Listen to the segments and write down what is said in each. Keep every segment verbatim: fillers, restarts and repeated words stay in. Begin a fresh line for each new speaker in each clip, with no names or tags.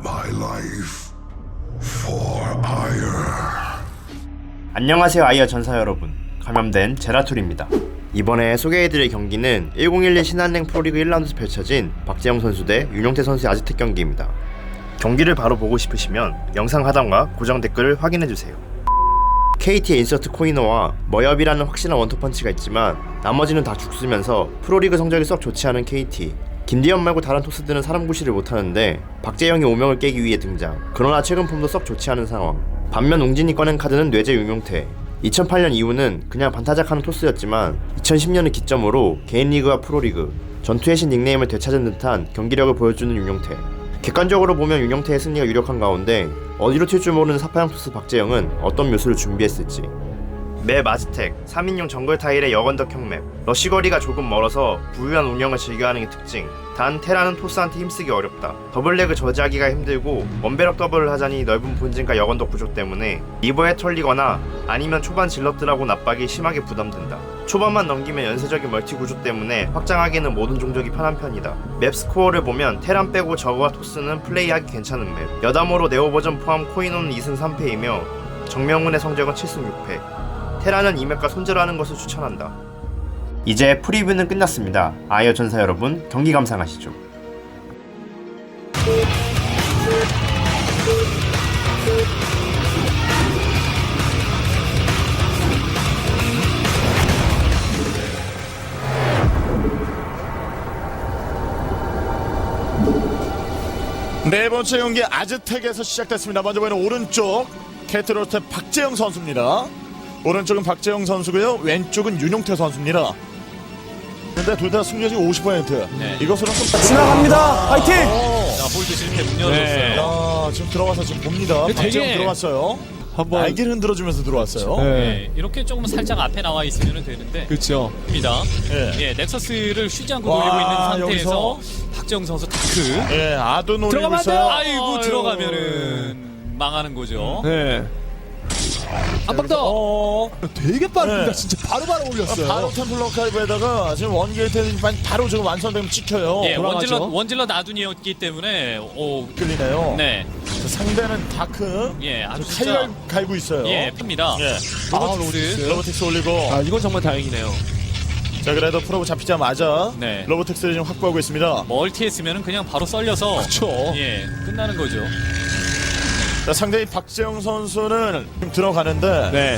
my life for ire.
안녕하세요 아이어 전사 여러분, 감염된 제라툴입니다. 이번에 소개해드릴 경기는 천십일 신한은행 프로리그 일 라운드에서 펼쳐진 박재영 선수 대 윤용태 선수의 아즈텍 경기입니다. 경기를 바로 보고 싶으시면 영상 하단과 고정 댓글을 확인해주세요. 케이티의 인서트 코이너와 머엽이라는 확실한 원투펀치가 있지만 나머지는 다 죽쓰면서 프로리그 성적이 썩 좋지 않은 케이티. 김대현 말고 다른 토스들은 사람 구실을 못하는데 박재영이 오명을 깨기 위해 등장. 그러나 최근 폼도 썩 좋지 않은 상황. 반면 웅진이 꺼낸 카드는 뇌제 윤용태. 이천팔 년 이후는 그냥 반타작하는 토스였지만 이천십 년을 기점으로 개인 리그와 프로리그, 전투의 신 닉네임을 되찾은 듯한 경기력을 보여주는 윤용태. 객관적으로 보면 윤용태의 승리가 유력한 가운데 어디로 튈 줄 모르는 사파양 토스 박재영은 어떤 묘수를 준비했을지. 맵 아즈텍, 삼 인용 정글 타일의 여건덕형 맵. 러시거리가 조금 멀어서 부유한 운영을 즐겨하는 게 특징. 단 테라는 토스한테 힘쓰기 어렵다. 더블렉을 저지하기가 힘들고 원배럭 더블을 하자니 넓은 본진과 여건덕 구조 때문에 리버에 털리거나 아니면 초반 질럿들하고 납박이 심하게 부담된다. 초반만 넘기면 연쇄적인 멀티 구조 때문에 확장하기에는 모든 종족이 편한 편이다. 맵 스코어를 보면 테란 빼고 저그와 토스는 플레이하기 괜찮은 맵. 여담으로 네오 버전 포함 코인호는 이 승 삼 패이며 정명훈의 성적은 칠 승 육 패. 테라는 이 맵과 손절하는 것을 추천한다. 이제 프리뷰는 끝났습니다. 아이어 전사 여러분, 경기 감상하시죠.
네 번째 경기 아즈텍에서 시작됐습니다. 먼저 보이는 오른쪽 캐트로스의 박재영 선수입니다. 오른쪽은 박재영 선수고요. 왼쪽은 윤용태 선수입니다. 근데 둘 다 승률이 오십 퍼센트.
네.
이것으로 좀
지나갑니다. 파이팅!
자,
볼드 이렇게 문 열어줬어요.
야, 지금 들어가서 지금 봅니다.
되게-
박재영 들어갔어요.
한번
날개를 흔들어주면서 들어왔어요.
네.
네, 이렇게 조금 살짝 앞에 나와 있으면 되는데
그렇죠.
입니다.
예.
예, 넥서스를 쉬지 않고
와,
돌리고 있는 상태에서
여기서?
박재영 선수 다크.
예, 아도 노리고
들어가면 안
있어요.
돼요.
아이고
아유.
들어가면은 망하는 거죠.
네. 한 방 더.
어,
되게 빠릅니다.
네.
진짜 바로바로 올렸어요.
바로 템플러 카이브에다가 지금 원게이트 바로 지금 완성되면 찍혀요.
예,
돌아가죠.
원질러 원질러 나둔이었기 때문에 오,
끌리네요.
네,
자, 상대는 다크.
예, 아주
칼
진짜
갈고 있어요.
예, 핍니다.
예.
아,
로보틱스.
로보틱스 올리고.
아, 이건 정말 다행이네요.
자, 그래도 프로브 잡히자마자
네.
로보틱스를 지금 확보하고 있습니다.
멀티했으면은 그냥 바로 썰려서
그렇죠.
예, 끝나는 거죠.
자, 상대인 박재영 선수는 지금 들어가는데
네.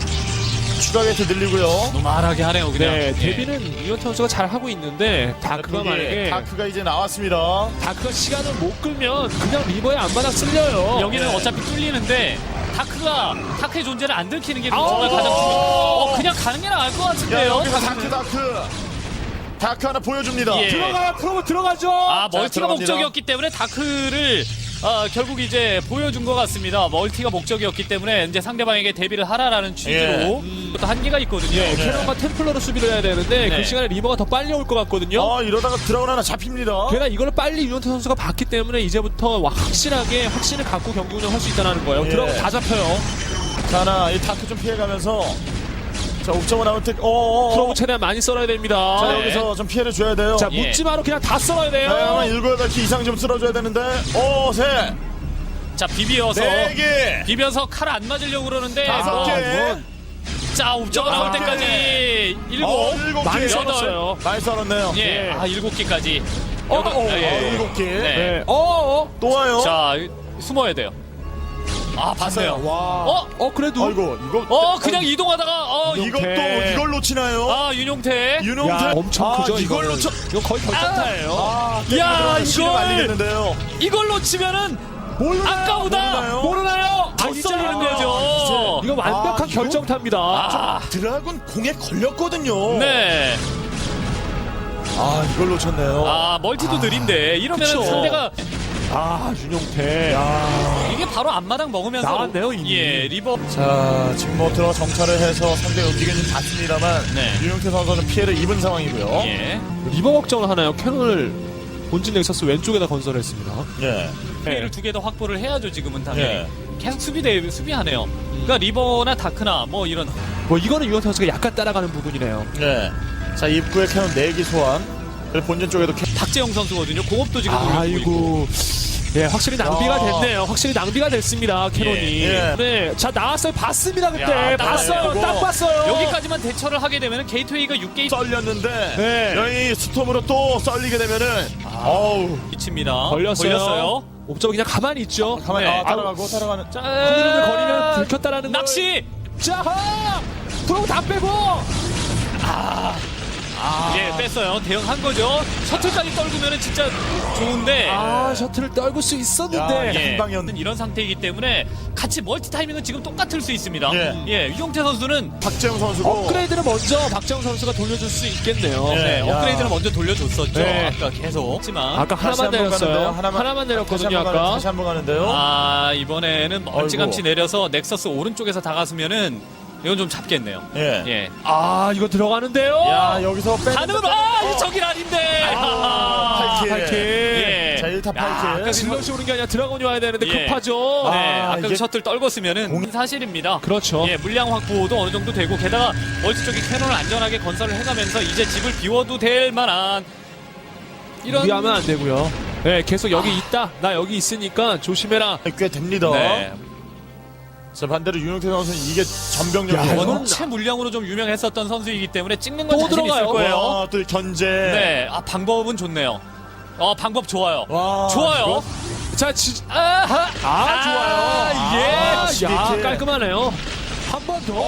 추가 게이트 늘리고요.
노말하게 하네요, 그냥.
네.
예.
데뷔는 윤용태 선수가 잘 하고 있는데 다크가
여기
만약에
다크가 이제 나왔습니다.
다크가 시간을 못 끌면 그냥 리버에 안마당 쓸려요.
여기는
네.
어차피 뚫리는데 다크가 다크의 존재를 안 들키는 게
아우.
정말 가장 중요해요. 어, 그냥 가는 게 나을 것
야,
같은데요.
여기서 다크 다크. 다크 하나 보여줍니다.
예.
들어가야 프로브 들어가죠.
아,
자,
멀티가
들어갑니다.
목적이었기 때문에 다크를 아, 결국 이제 보여준 것 같습니다. 멀티가 목적이었기 때문에 이제 상대방에게 대비를 하라라는 취지로
예.
음, 또 한계가 있거든요.
예, 캐논과 템플러로 수비를 해야 되는데
네.
그 시간에 리버가 더 빨리 올 것 같거든요.
아, 이러다가 드라군 하나 잡힙니다.
게다가 이걸 빨리 윤용태 선수가 봤기 때문에 이제부터 확실하게 확신을 갖고 경기 운영할 수 있다는 거예요.
예.
들어가면 다 잡혀요.
자, 하나 이 다크 좀 피해가면서 자, 옥점은 아웃텍. 어어어.
프로브 최대한 많이 썰어야 됩니다.
자,
네.
여기서 좀 피해를 줘야 돼요.
자,
예.
묻지마로 그냥 다 썰어야 돼요.
네, 아마 일곱 여덟 개 이상 좀 쓸어줘야 되는데. 오, 세.
자, 비비어서
네 개.
비벼서 칼 안 맞으려고 그러는데
다섯
뭐,
개.
자, 옵저가 나올
여섯 개.
때까지 일곱,
어, 일곱
많이
개.
썰었어요.
많이 썰었네요.
예, 아, 일곱 개까지.
어,
여덟-
어,
예.
어, 일곱 개.
네.
네. 어, 어.
또 와요.
자, 숨어야 돼요. 아,
봤어요.
봤어요.
와.
어?
어, 그래도.
아이고, 이거.
어, 그냥 이동하다가 어, 이-
이것도
윤용태.
이걸 놓치나요?
아, 윤용태.
윤용태.
야, 엄청
아,
크죠,
이걸
이거는.
놓쳐.
이거 거의 결정타예요.
아,
야,
이걸
이걸.
알리겠는데요.
이걸로 치면은
모르나요?
아까우다.
모르나요?
모르나요?
더
아니죠.
썰리는 거죠.
이거 완벽한
아, 이거?
결정타입니다.
아,
드라군 공에 걸렸거든요.
네.
아, 이걸 놓쳤네요.
아, 멀티도 느린데 이러면
그쵸.
상대가
아, 윤용태.
이게 바로 앞마당 먹으면서
나왔네요, 이미.
예, 리버.
자, 지금 뭐 들어 정찰을 해서 상대 움직임이 봤습니다만
네.
윤용태 선수는 피해를 입은 상황이고요.
예.
리버 걱정을 하나요? 캐논을 본진 넥서스 왼쪽에다 건설했습니다.
예.
피해를 두 개 더 확보를 해야죠, 지금은 당연히.
예.
계속 수비대 수비하네요. 그러니까 리버나 다크나 뭐 이런
뭐 이거는 윤용태 선수가 약간 따라가는 부분이네요.
예. 자, 입구에 캐논 네 개 소환. 그리고 본진 쪽에도 캐...
박재영 선수거든요. 공업도 지금 돌려주고 있고.
아이고. 예, 확실히 낭비가
야.
됐네요. 확실히 낭비가 됐습니다. 캐논이.
예.
네, 자 나왔어요. 봤습니다 그때.
야, 딱
봤어요.
보고.
딱 봤어요.
여기까지만 대처를 하게 되면 게이트웨이가 육 게이트
썰렸는데
네.
여기 스톰으로 또 썰리게 되면은 어우
위치입니다.
걸렸어요.
걸렸어요.
옵저버 그냥 가만히 있죠.
가만히
네.
아, 따라가고 따라가는
자,
흐름을 거리면 들켰다라는 걸.
낚시.
자, 프로 다 빼고.
예, 뺐어요. 대응한 거죠. 셔틀까지 떨구면 진짜 좋은데.
아, 셔틀을 떨굴 수 있었는데.
야,
예,
한 방이었는-
이런 상태이기 때문에 같이 멀티 타이밍은 지금 똑같을 수 있습니다.
예.
예, 유용태 선수는
박재영 선수고
업그레이드를 먼저 박정우 선수가 돌려줄 수 있겠네요.
예.
네,
야.
업그레이드를 먼저 돌려줬었죠.
네.
아까 계속. 하지만
아까
다시
하나만
한번
내렸어요.
가는데요.
하나만,
하나만- 다시
내렸거든요.
한번 가는-
아까.
다시 한번 가는데요.
아, 이번에는 멀찌감치
아이고.
내려서 넥서스 오른쪽에서 다가서면은 이건 좀 잡겠네요.
예.
예.
아, 이거 들어가는데요.
야 여기서 빼.
가능은 아, 이 저길 아닌데.
아, 팔 킬.
팔 킬.
예.
자, 일 타 팔 킬.
야, 아까 그
질럿이 오는 게 아니라 드라곤이 와야 되는데
예.
급하죠.
아,
네, 아까
이게-
그 셔틀 떨궜으면은 사실입니다.
그렇죠.
예, 물량 확보도 어느 정도 되고 게다가 멀티 쪽에 캐논을 안전하게 건설을 해가면서 이제 집을 비워도 될 만한 이런
무리하면 안 되고요. 네, 계속 여기 있다. 나 여기 있으니까 조심해라.
꽤 됩니다.
네.
자 반대로 윤용태 선수는 이게
야,
전병력이에요.
이건-
원체 물량으로 좀 유명했었던 선수이기 때문에 찍는 건
또
자신 있을
들어가요.
거예요.
와, 또 견제.
네, 아 방법은 좋네요. 어, 방법 좋아요.
와,
좋아요.
자, 지,
아하.
아, 좋아요.
예.
아,
야,
십이 킬.
깔끔하네요. 한 번 더.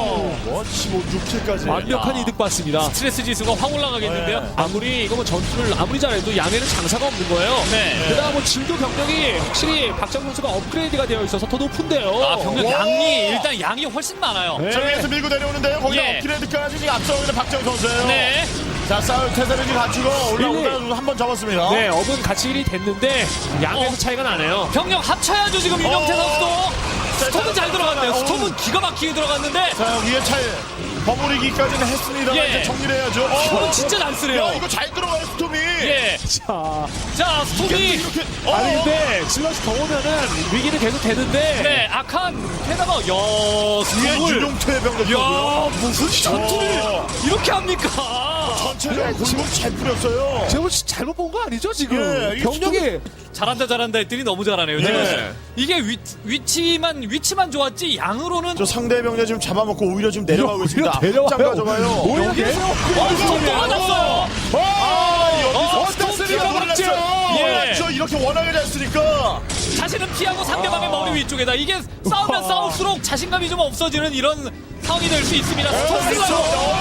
뭐 십오, 육 킬까지.
완벽한
야.
이득 봤습니다.
스트레스 지수가 확 올라가겠는데요.
네.
아무리 이거 뭐 전투를 아무리 잘해도 양에는 장사가 없는 거예요.
네.
게다가 뭐 질도 병력이 확실히 박정 선수가 업그레이드가 되어 있어서 더 높은데요.
아, 병력
와.
양이 일단 양이 훨씬 많아요.
네.
자 위에서 밀고 내려오는데요. 거기다
예.
업그레이드까지 지금 앞서고 있는 박재영 선수예요.
네.
자 싸울 태세를 지금 갖추고 올라오다가 한 번 접었습니다.
네, 업은 같이 일이 됐는데 양에서
어.
차이가 나네요.
병력 합쳐야죠 지금 윤영태
어.
선수도. 스톰은 잘 들어갔네요.
어.
스톰은 기가 막히게 들어갔는데
자 위에 차에 버무리기까지는 했습니다.
예.
이제 정리를 해야죠. 어.
스톰은 진짜 난쓰래요.
야 이거 잘 들어가요 스톰이.
예.
자,
자, 스톰이
이렇게 어.
아니 근데 질럿이 더 오면은 위기는 계속 되는데.
네, 악한 게다가 야,
위에
스톰을
윤용태 병력이고요.
야, 무슨 전투를
어.
이렇게 합니까?
전체적으로 골목 잘 뿌렸어요.
제가 혹시 잘못 본 거 아니죠 지금?
예, 이게
병력이
잘한다 잘한다 했더니 너무 잘하네요.
네.
지금 이게 위, 위치만 위치만 좋았지 양으로는
저 상대 병력 지금 잡아먹고 오히려 지금 내려가고
오히려
있습니다.
내려와요.
짱 가져가요.
오히려
여기에서
내려와요.
어,
스톰 또 맞았어요.
아, 여기서
어,
스톰스가
스톰스가
놀랐죠.
예.
놀랐죠. 이렇게 원하게 됐으니까.
자신은 피하고 상대방의 머리 위쪽에다 이게 싸우면 싸울수록 자신감이 좀 없어지는 이런 상황이 될 수 있습니다. 스톰스가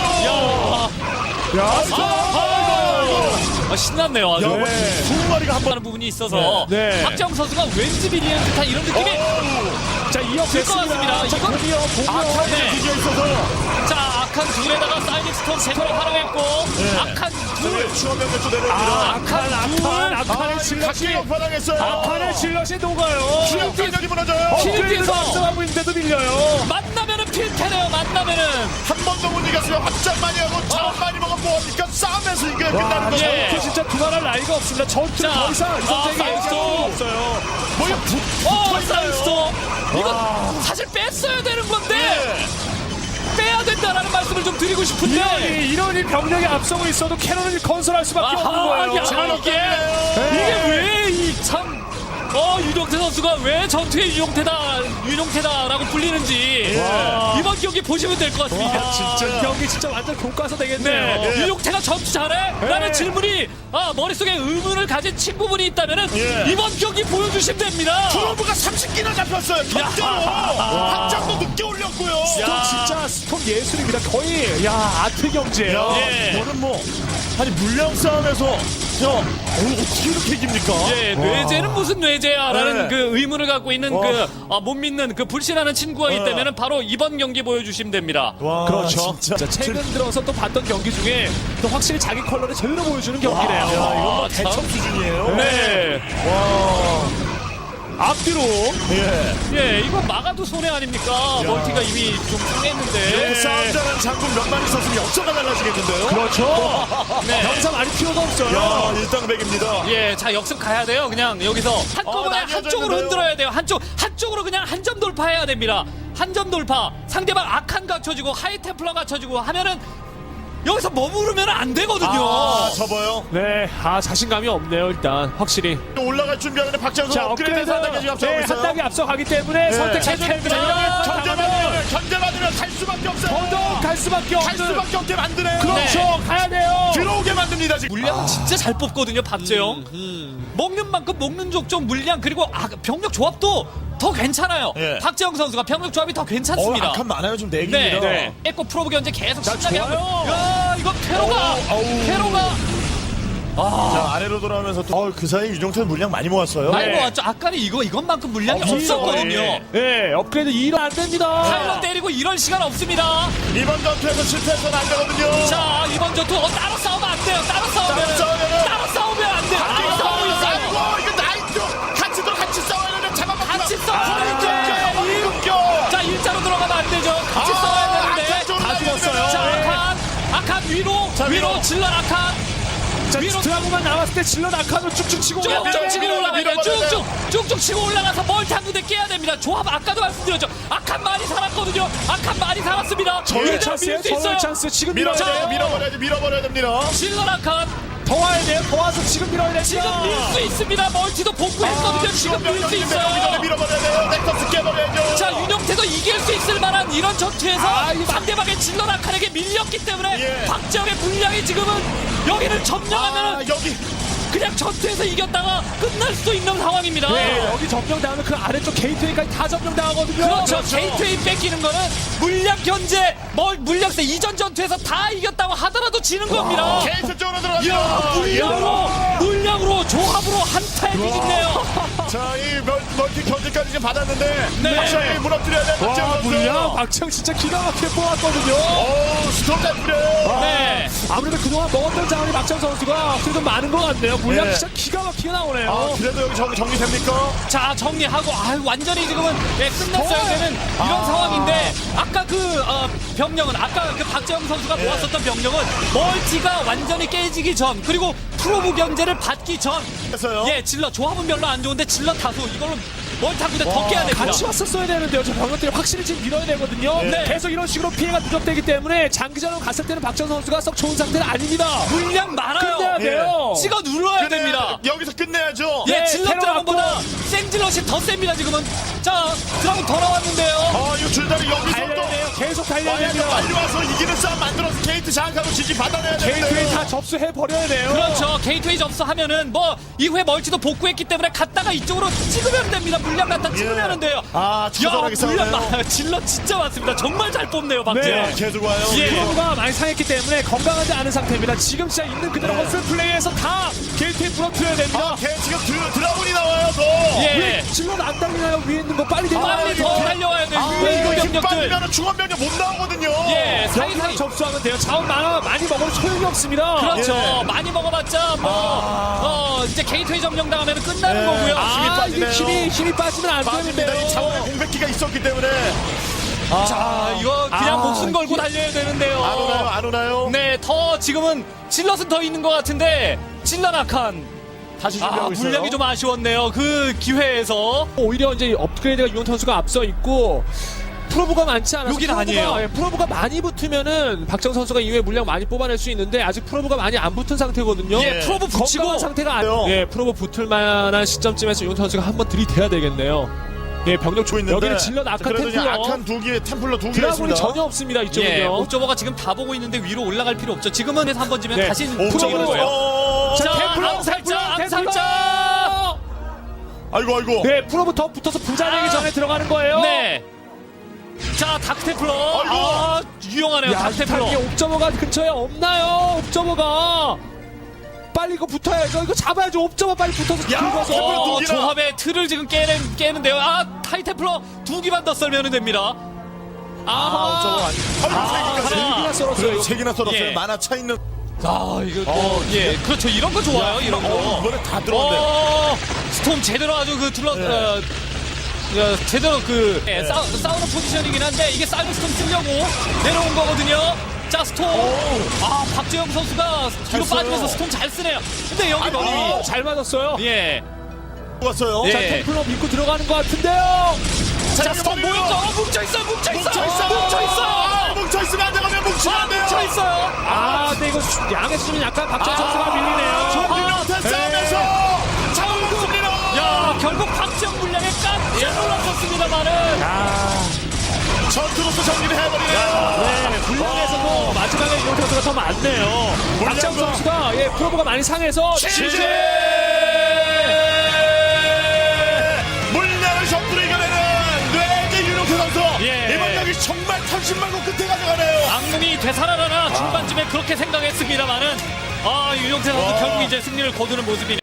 야,
야,
아, 신났네요 아주.
야, 두 마리가 한 번.
하는 부분이 있어서
네. 네.
박정 선수가 왠지 비리는 듯한 이런 느낌이
자 이어
될 것 같습니다.
자
이건-
공이요 공이요.
네.
뒤에 있어서.
자 악한 둘에다가 사이닉 스톰 제대로 활용했고 악한 둘
추가 병력 또 내려옵니다.
아, 악한 악한 악한의
아,
질럿이
각기가 편당했어요.
악한의 질럿이 녹아요.
추가 병력이 무너져요.
필드에서
앞서가고 있는데도 밀려요.
만나면은 필테네요. 만나면은
한 번도 못 이겼으면 확장 많이 하고 자원 많이 먹으면 뭐합니까? 싸움에서 이게 끝나는 거죠.
예.
전투 진짜 두말할 나이가 없습니다. 전투
자,
더 이상 이
아,
선생이
사이드 스톰.
없어요. 뭐야?
어 사이스톰 이거 사실 뺐어야 되는 건데 빼야 된다라는 말씀을 좀 드리고 싶은데
이러니 이러니 병력이 앞서고 있어도 캐논을 건설할 수밖에 없는
아하,
거예요.
야, 이게 이게 왜 이 참 어 유용태 선수가 왜 전투의 유용태다 유용태다라고 불리는지
와.
이번 경기 보시면 될 것 같습니다.
아, 진짜 이 경기 진짜 완전 교과서 되겠네요.
네. 유용태가 전투 잘해? 라는
네.
질문이 아, 머릿속에 의문을 가진 친구분이 있다면은
예.
이번 경기 보여주시면 됩니다.
프로브가 삼십 기나 잡혔어요. 견제로. 확장도 늦게 올렸고요.
스톰 진짜 스톰 예술입니다. 거의 야 아트 경제예요.
예.
저는 뭐 아니 물량 싸움에서 야 어, 어떻게 이렇게 이깁니까?
예, 뇌제는 무슨 뇌제야라는
네.
그 의문을 갖고 있는
와.
그 아, 못 믿는 그 불신하는 친구가
네.
있다면은 바로 이번 경기 보여주시면 됩니다.
와,
그렇죠.
진짜.
진짜 최근 들어서 또 봤던 경기 중에 또 확실히 자기 컬러를 제대로 보여주는 경기네요.
야, 이건 뭐
아, 참.
대첩 수준이에요.
네,
와.
앞뒤로
예.
예, 이거 막아도 손해 아닙니까? 멀티가 이미 좀
이렇게
상했는데.
싸움자는 장군 몇 마리 있었으면 역사가 달라지겠는데요?
그렇죠.
네.
병사 많이 필요가 없어요.
야, 일당백입니다.
예, 자 역습 가야 돼요. 그냥 여기서 한꺼번에
나뉘어져
한쪽으로
있는데요.
흔들어야 돼요. 한쪽 한쪽으로 그냥 한 점 돌파해야 됩니다. 한 점 돌파. 상대방 악한 갖춰지고 하이템플러 갖춰지고 하면은 여기서 머무르면 안 되거든요.
아, 접어요.
네, 아 자신감이 없네요. 일단 확실히.
또 올라갈 준비하는데 박재영 선수
자,
업그레이드에서 한 단계 지금 앞서가고
네,
있어요.
한 단계 앞서가기 때문에 선택해줘야 됩니다.
견제받으면 견제받으면 갈 수밖에 없어요.
더더욱 갈 수밖에
갈
없는.
수밖에 없게 만드네요.
그렇죠,
네.
가야 돼요.
들어오게 만듭니다 지금.
물량은 진짜 잘 뽑거든요, 박재영. 먹는 만큼 먹는 족족 물량 그리고 아, 병력 조합도 더 괜찮아요.
예.
박재영 선수가 병력 조합이 더
어,
괜찮습니다.
악한 많아요 지금 네
네,
개입니다.
네. 에코 프로브 견제 계속
자,
신나게
좋아요.
하고. 야, 이거 테러가,
어우.
테러가
자 아래로 돌아오면서 또 어, 그 사이 유정태 물량 많이 모았어요.
많이
네.
모았죠. 아까는 이거 이것만큼 물량이
없어요.
없었거든요.
예.
네, 업그레이드 이로 안 됩니다.
타일러 때리고 이럴 시간 없습니다.
이번 전투에서 실패해서는 안 되거든요.
자, 이번 전투 어, 따로 싸우면 안 돼요. 따로 싸우면
따로 싸우면은-
따로 싸우면 안 돼요. 따로 싸우고 있어요.
아이고 이거 나이트 같이 또 같이 싸워야 되는데 잡아먹고
같이 싸워야 돼.
이거
자, 일자로 들어가면 안 되죠. 같이 싸워야 되는데.
다
자, 아칸, 아칸 위로,
자, 위로.
위로 질러 아칸.
자,
위로
드라고만 나왔을 때 질러 낙하로 쭉쭉 치고
쭉쭉
밀어버려야
치고
돼요.
올라가야 돼요.
밀어버려야
쭉쭉 쭉쭉 치고 올라가서 멀티 한 군데 깨야 됩니다. 조합 아까도 말씀드렸죠. 아칸 많이 살았거든요. 아칸 많이 살았습니다.
저의
이대로
찬스예요.
밀수 있어요.
저의 찬스. 지금
밀어야
밀어야
돼요.
돼요.
밀어버려야 돼. 밀어버려야 됩니다.
질러 아칸
더 와야 돼요. 더 와서 지금 밀어야 됩니다.
지금 밀 수 있습니다. 멀티도 복구했거든요. 지금 밀 수 있어요.
밀어버려야 돼요. 넥서스 깨버려야죠.
자, 윤영태도 이길 수 있을 만한 이런 전투에서
아, 이거
상대방의 질러 아칸에게 밀렸기 때문에
예.
박재영의 분량이 지금은 여기를 점령하면
아, 여기
그냥 전투에서 이겼다가 끝날 수도 있는 상황입니다.
네, 여기 점령당하면 그 아래쪽 게이트웨이까지 다 점령당하거든요.
그렇죠. 게이트웨이 뺏기는 거는 물량 견제, 뭐 물량세 이전 전투에서 다 이겼다고 하더라도 지는 겁니다.
게이트 쪽으로
이야,
들어갑니다.
물량으로, 물량으로, 조합으로 한타에 이기네요.
자, 이 멀- 멀티 견제까지 지금 받았는데
네.
확실히 무너뜨려야 돼. 박재영
와,
선수.
물량 박지영 진짜 기가 막히게 뽑았거든요.
오, 스톱 잘 뿌려요.
네.
아무래도 그동안 먹었던 자원이 박지영 선수가 그래도 많은 것 같네요. 물량
네.
진짜 기가 막히게 나오네요.
아, 그래도 여기 정, 정리됩니까?
자, 정리하고, 아유, 완전히 지금은 예, 끝났어야
정말.
되는 이런 상황인데, 아까 그, 어, 병력은, 아까 그 박재영 선수가
네.
모았었던 병력은 멀티가 완전히 깨지기 전, 그리고 프로브 견제를 받기 전,
했어요.
예, 질러, 조합은 별로 안 좋은데 질러 다수, 이걸로 멀티 한 군데 더 깨야 됩니다.
같이 왔었어야 되는데요. 저 병력들이 확실히 지금 밀어야 되거든요.
네.
계속 이런 식으로 피해가 누적되기 때문에 장기전으로 갔을 때는 박지영 선수가 썩 좋은 상태는 아닙니다.
물량 많아요.
끝내야
예.
돼요.
찍어 눌러야
끝내야-
됩니다.
여기서 끝내야죠.
예,
네,
질러
테러
드라곤보다 생질럿이 더 셉니다, 지금은. 자, 드라곤 더 나왔는데요.
아, 이거 줄다리 여기서
달려야
또
돼요. 계속 달려야
빨리
됩니다.
빨리 와서 이기는 싸움 만들어서 게이트 장악하고 지지 받아내야
게이트웨이
되는데.
다 접수해 버려야 돼요.
그렇죠. 게이트웨이 접수하면은 뭐 이후에 멀티도 복구했기 때문에 갔다가 이쪽으로 찍으면 됩니다. 물량 갖다 찍으면 돼요.
아, 처절하게
야, 물량
싸우네요.
많아요. 질러 진짜 많습니다. 정말 잘 뽑네요, 박재영.
네.
계속 와요.
예.
프로브가 많이 상했기 때문에 건강하지 않은 상태입니다. 지금 진짜 있는 그대로
네.
허슬 플레이에서 다 게이트웨이 부러뜨려야 됩니다.
아, 걔 지금 드, 드라군이 나와요, 더.
예.
왜 질럿 안 달리나요? 위에 있는 거 빨리 대요.
빨리 더
이거-
달려와야 돼요.
아,
위에
이거
있는
힘
병력들.
빠지면 중원병력 못 나오거든요.
예,
여기서
사이사이.
접수하면 돼요. 자원 많아 많이 먹어도 소용이 없습니다.
그렇죠.
예.
많이 먹어봤자 뭐 어, 이제 게이트웨이 점령 당하면 끝나는
예.
거고요.
힘이
아, 이게
빠지네요.
힘이 힘이 빠지면 안
빠집니다. 이
되는데요.
차원의 공백기가 있었기 때문에.
자, 이거 그냥
아,
목숨 걸고
이게-
달려야 되는데요.
안 오나요? 안 오나요?
네, 더 지금은 질럿은 더 있는 것 같은데 질럿악한
다시
아,
준비하고 있어요.
물량이 좀 아쉬웠네요. 그 기회에서.
오히려 이제 업그레이드가 유현 선수가 앞서 있고 프로브가 많지 않아서
여긴
프로브가-
아니에요.
예, 프로브가 많이 붙으면은 박정 선수가 이후에 물량 많이 뽑아낼 수 있는데 아직 프로브가 많이 안 붙은 상태거든요.
예, 프로브 붙이고
건강한 상태가
요
아니에요. 예, 프로브 붙을 만한 시점쯤에서 유현 선수가 한번 들이대야 되겠네요. 예, 병력
주고 있는데.
여기는 질럿 악한
그래도 이제
템플러
악한 두 개, 템플러 두 개
드라군이
있습니다.
전혀 없습니다. 이쪽은요.
예, 옥저버가 지금 다 보고 있는데 위로 올라갈 필요 없죠. 지금은 해서 한번 지면
네.
다시
옥저버는
풀어보는 거예요.
어,
자,
자,
템플러,
암살자,
템플러,
암살자.
아이고 아이고.
네, 프로브 더 붙어서 부자 되기
아.
전에 들어가는 거예요.
네. 자, 다크테플러.
아이고.
아, 유용하네요.
야,
다크테플러.
이게 옵저버가 근처에 없나요? 옵저버가 빨리 이거 붙어야죠. 이거 잡아야죠. 옵저버 빨리 붙어서
야,
긁어서.
템플러
어,
두 개나.
조합의 틀을 지금 깨는, 깨는데요. 아, 타이테플러 두 개만 더 썰면 됩니다.
아, 옥저버 아니. 아이고,
아,
세 개까지.
하나.
일기나 썰었어요.
그래, 세 개나 썰었어요.
예.
만화 차 있는.
아, 이거 또, 예, 그렇죠. 이런 거 좋아요, 이런 거.
어, 이번에 다 들어온대.
어, 스톰 제대로 아주 그 둘러,
네.
어, 어, 제대로 그, 예, 싸우, 싸우는 포지션이긴 한데, 이게 사이버 스톰 쓰려고 내려온 거거든요. 자, 스톰. 아, 박재영 선수가 뒤로
써요.
빠지면서 스톰 잘 쓰네요. 근데 여기 머리 위.
어, 잘 맞았어요.
예.
왔어요.
예.
자, 템플러 믿고 들어가는 것 같은데요.
자, 스톰 모였죠. 어, 뭉쳐있어, 뭉쳐있어.
뭉쳐있어.
뭉쳐있어.
아, 뭉쳐있어. 뭉쳐 있으면 안 되거든요. 뭉치면
아,
안 돼요.
뭉쳐 있어요.
아, 근데 이거 양의 수준은 약간 박지원 선수가 밀리네요.
유용태 싸움에서 잡아먹습니다.
야, 결국 박지영 물량에 깜짝 놀랐었습니다만은.
전투로서 정리를 해버리네요.
네, 분량에서도 마지막에 이용 선수가 더 많네요. 박지원
물량도-
선수가 예, 프로브가 많이 상해서
취재! 물량을 전투로 이겨내는 뇌의 유용태 선수.
예.
이번 경기 정말 털심말고 끝에 가져가네요.
악몽이 되살아나나 중반쯤에 그렇게 생각했습니다만은 아, 유용태 선수 결국 이제 승리를 거두는 모습이네요.